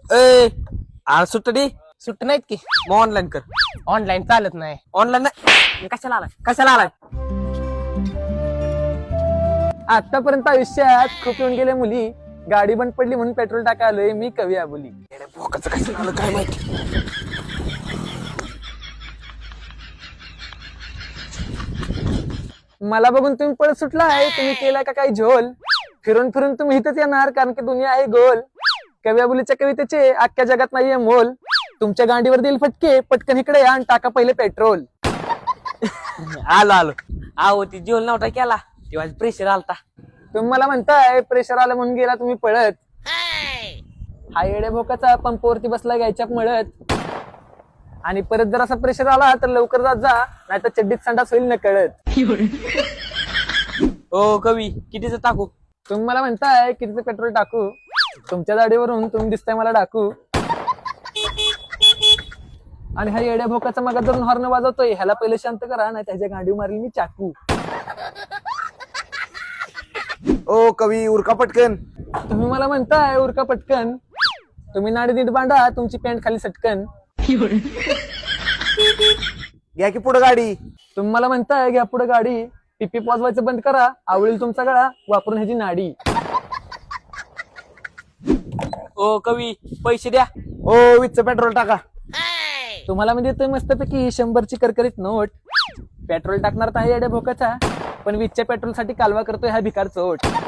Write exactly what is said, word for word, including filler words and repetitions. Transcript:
ए आ सुट्टी सुट्ट नाहीत की मग ऑनलाईन कर. ऑनलाईन चालत नाही. ऑनलाईन नाही कशाला आलाय कशाला आलाय. आतापर्यंत आयुष्यात खूप येऊन गेले मुली, गाडी बंद पडली म्हणून पेट्रोल टाकालोय मी कवी आबोली. भोकाचं कशाला आलं काय माहिती. मला बघून तुम्ही पळत सुटला आहे, तुम्ही केलाय का काही झोल. फिरून फिरून तुम्ही इथंच येणार कारण की दुनिया आहे गोल. कवी आबोलीच्या कवितेचे अख्ख्या जगात नाहीये मोल. तुमच्या गाडीवर देईल फटके, पटकन इकडे या आणि टाका पहिले पेट्रोल. आलो आलो आहो ती जेवण नव्हता केला तेव्हा प्रेशर आलता. तुम्ही मला म्हणताय प्रेशर आलं म्हणून गेला तुम्ही पळत. हा येडे भोकाचा पंपावरती बसला घ्यायच्या मळत. आणि परत जर असा प्रेशर आला तर लवकर जात जा, नाही तर चड्डीत संडास होईल न कळत. हो कवी कितीच टाकू. तुम्ही मला म्हणताय कितीचं पेट्रोल टाकू, तुमच्या दाढीवरून तुम्ही दिसताय मला डाकू. आणि हा येड्या भोकाचा मगा धरून हॉर्न वाजवतोय, ह्याला पहिले शांत करा नाही त्याच्या गांडी मारली मी चाकू. ओ कवी उरका पटकन. तुम्ही मला म्हणताय उरका पटकन, तुम्ही नाडी नीट बांधा तुमची पॅन्ट खाली सटकन. घ्या की पुढे गाडी. तुम्ही मला म्हणताय घ्या पुढे गाडी, पिपी वाजवायचं बंद करा आवळील तुमचा गळा वापरून ह्याची नाडी. ओ कवी पैसे द्या. ओ वीसचं पेट्रोल टाका. तुम्हाला मी देतोय मस्तपैकी शंभरची करकरीत नोट. पेट्रोल टाकणार तर आहे येड्या भोकाचा, पण वीसच्या पेट्रोल साठी कालवा करतोय हा भिकार चोट.